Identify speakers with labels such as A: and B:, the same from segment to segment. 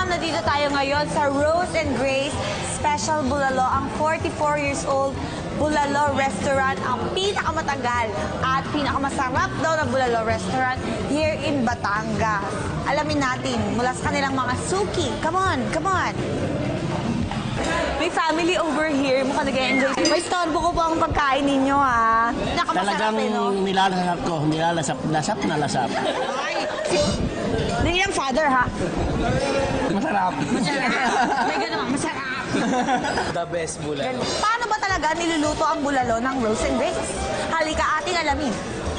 A: nandito tayo ngayon sa Rose and Grace Special Bulalo, ang 44 years old Bulalo Restaurant, ang pinakamatagal at pinakamasarap daw na Bulalo Restaurant here in Batangas. Alamin natin mula sa kanilang mga suki. Come on, come on! May family over here. Mukhang nag-enjoy. May storbo ko po ang pagkain ninyo, ha? Nakamasarap
B: Talagang
A: no?
B: nilalasap ko. Nilalasap na lasap.
A: Ay, hindi yung father, ha?
B: Masarap.
A: Masarap. May gano'n, masarap.
C: The best bulalo.
A: Paano ba talaga niluluto ang bulalo ng Rose and Grace? Halika, ating alamin.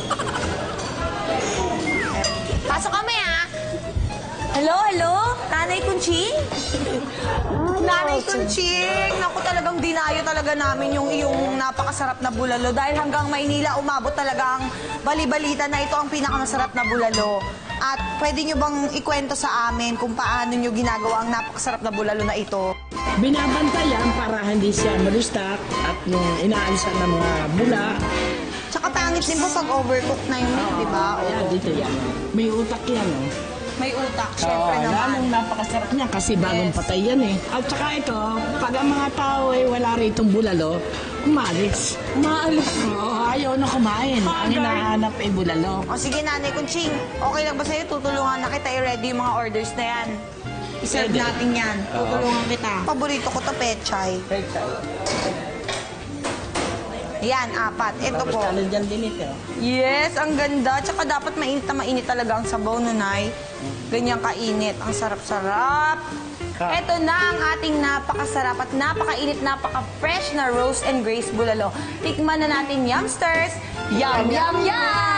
A: Pasok kami, ha? Hello, hello? Nanay Kunching? Nanay Kunching! Naku, talagang dinayo talaga namin yung iyong napakasarap na bulalo. Dahil hanggang Maynila, umabot talaga ang bali-balita na ito ang pinakamasarap na bulalo. At pwede nyo bang ikwento sa amin kung paano nyo ginagawa ang napakasarap na bulalo na ito?
D: Binabantayan para hindi siya malustak at yung inaalisan ng mga bula.
A: Tsaka pangit din po pag overcooked na yun, di ba?
D: Ayan, dito yan. May utak yan, oh.
A: May utak, syempre naman.
D: Lalong napakasarap niya kasi bagong patay yan eh. At saka ito, pag ang mga tao ay wala rito bulalo, umalis. Umaalis. Oo, ayaw na kumain. Ang hinahanap ay bulalo.
A: O sige, Nanay Kunching, okay lang ba sa'yo? Tutulungan na kita i-ready yung mga orders na yan. I-serve natin yan. Tutulungan kita. Paborito ko to, pechay. Yan, 4. Ito po.
D: Tapos dyan din ito.
A: Yes, ang ganda. Tsaka dapat mainit na mainit talaga ang sabaw, Nunay. Ganyan kainit. Ang sarap-sarap. Ito na ang ating napakasarap at napakainit, napaka-fresh na Rose and Grace Bulalo. Tikman na natin, Yumsters. Yum, yum, yum!